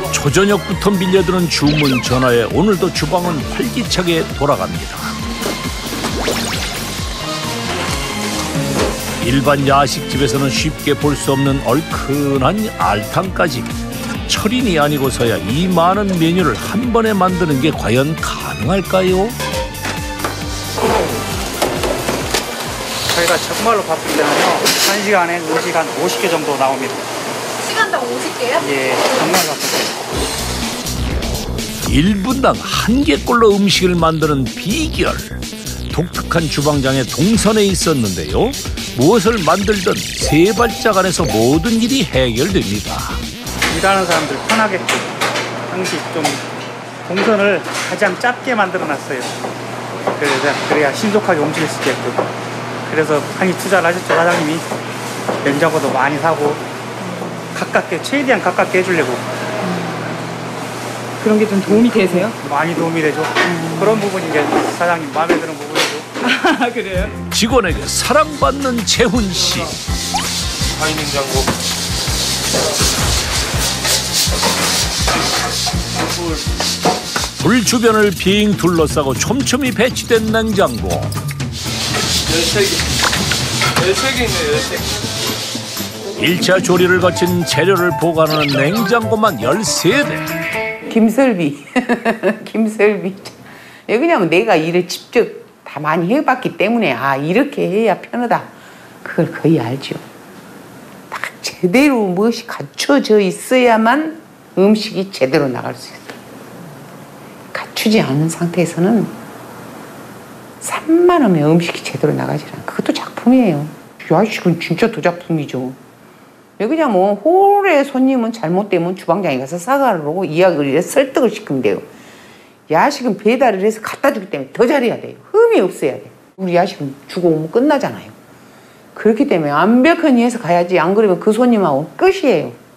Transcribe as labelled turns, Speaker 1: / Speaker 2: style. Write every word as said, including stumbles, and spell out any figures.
Speaker 1: 초저녁부터 밀려드는 주문 전화에 오늘도 주방은 활기차게 돌아갑니다. 일반 야식집에서는 쉽게 볼 수 없는 얼큰한 알탕까지 철인이 아니고서야 이 많은 메뉴를 한 번에 만드는 게 과연 가능할까요?
Speaker 2: 저희가 정말로 바쁠 때는요, 한 시간에 음식 한 오십 개 정도 나옵니다.
Speaker 3: 시간당 오십 개요?
Speaker 2: 예, 정말 바쁠 때.
Speaker 1: 일 분당 한 개꼴로 음식을 만드는 비결. 독특한 주방장의 동선에 있었는데요. 무엇을 만들든 세 발짝 안에서 모든 일이 해결됩니다.
Speaker 2: 일하는 사람들 편하게끔 항상 좀 동선을 가장 짧게 만들어놨어요. 그래서 그래야 신속하게 움직일 수 있게끔. 그래서 많이 투자를 하셨죠, 사장님이. 냉장고도 많이 사고 가깝게, 최대한 가깝게 해주려고.
Speaker 4: 그런 게 좀 도움이 되세요?
Speaker 2: 많이 도움이 되죠. 음. 그런 부분이 이제 사장님 마음에 드는 부분이죠.
Speaker 4: 아, 그래요?
Speaker 1: 직원에게 사랑받는 재훈 씨.
Speaker 5: 하이 냉장고.
Speaker 1: 불 주변을 빙 둘러싸고 촘촘히 배치된 냉장고.
Speaker 5: 열세 개. 열세 개 있네요, 열세 개.
Speaker 1: 일 차 조리를 거친 재료를 보관하는 냉장고만 열세 대.
Speaker 6: 김설비. 김설비. 왜 그러냐면 내가 일을 직접 다 많이 해봤기 때문에 아 이렇게 해야 편하다. 그걸 거의 알죠. 딱 제대로 무엇이 갖춰져 있어야만 음식이 제대로 나갈 수 있어요. 갖추지 않은 상태에서는 산만 하면 음식이 제대로 나가지 않아요. 그것도 작품이에요. 야식은 진짜 더 작품이죠. 왜 그러냐면 홀의 손님은 잘못되면 주방장에 가서 사과를 하고 이야기를 해서 설득을 시키면 돼요. 야식은 배달을 해서 갖다 주기 때문에 더 잘해야 돼요. 흠이 없어야 돼요. 우리 야식은 주고 오면 끝나잖아요. 그렇기 때문에 완벽하게 해서 가야지 안 그러면 그 손님하고 끝이에요.